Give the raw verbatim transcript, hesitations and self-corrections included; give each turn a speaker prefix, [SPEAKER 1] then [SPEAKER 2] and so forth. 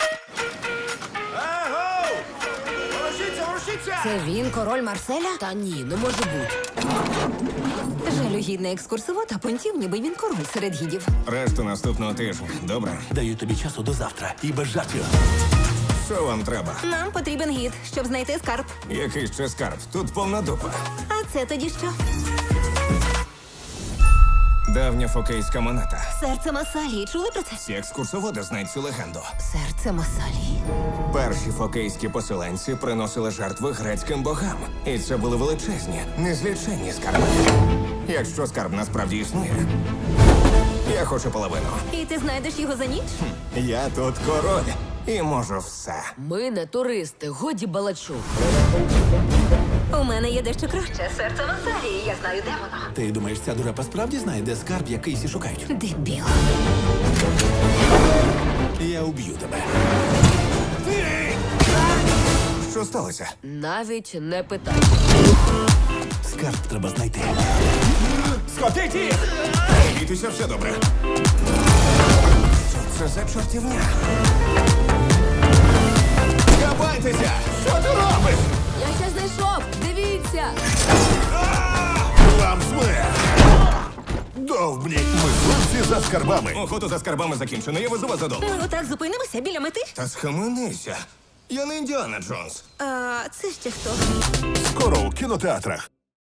[SPEAKER 1] Аго! Ворушіться, ворушіться!
[SPEAKER 2] Це він, король Марселя?
[SPEAKER 3] Та ні, не може бути.
[SPEAKER 2] Жалюгідний екскурсовод, а понтів, ніби він король серед гідів.
[SPEAKER 4] Решту наступного тижня. Добре?
[SPEAKER 1] Даю тобі часу до завтра і без жартів.
[SPEAKER 4] Що вам треба?
[SPEAKER 2] Нам потрібен гід, щоб знайти скарб.
[SPEAKER 4] Який ще скарб? Тут повна дупа.
[SPEAKER 2] А це тоді що?
[SPEAKER 4] Давня фокейська монета.
[SPEAKER 2] Серце Масалії. Чули про це?
[SPEAKER 4] Всі екскурсоводи знають цю легенду.
[SPEAKER 2] Серце Масалії.
[SPEAKER 4] Перші фокейські поселенці приносили жертви грецьким богам. І це були величезні, незліченні скарби. Якщо скарб насправді існує, я хочу половину.
[SPEAKER 2] І ти знайдеш його за ніч?
[SPEAKER 4] Я тут король і можу все.
[SPEAKER 3] Ми не туристи, годі балачок.
[SPEAKER 2] У мене є дещо краще. Серце Масалії. Я знаю, де воно.
[SPEAKER 1] Ти думаєш, ця дурепа справді знає, де скарб, який всі шукають?
[SPEAKER 2] Дебіл.
[SPEAKER 1] Я уб'ю тебе.
[SPEAKER 4] Що сталося?
[SPEAKER 3] Навіть не питай.
[SPEAKER 1] Скарб треба знайти.
[SPEAKER 4] Схопіть їх! Не бійтеся, все добре. Що це за чортівня? Кабайтеся! Що ти робиш?
[SPEAKER 3] Я ще знайшов! Дивіться!
[SPEAKER 1] Вам смерть! Довбні! Мисливці за скарбами!
[SPEAKER 4] Охоту за скарбами закінчено, я везу вас додому.
[SPEAKER 2] Ми отак зупинимося біля мети?
[SPEAKER 4] Та схаменися. Я не Індіана Джонс.
[SPEAKER 2] А це ще хто?
[SPEAKER 1] Скоро у кінотеатрах.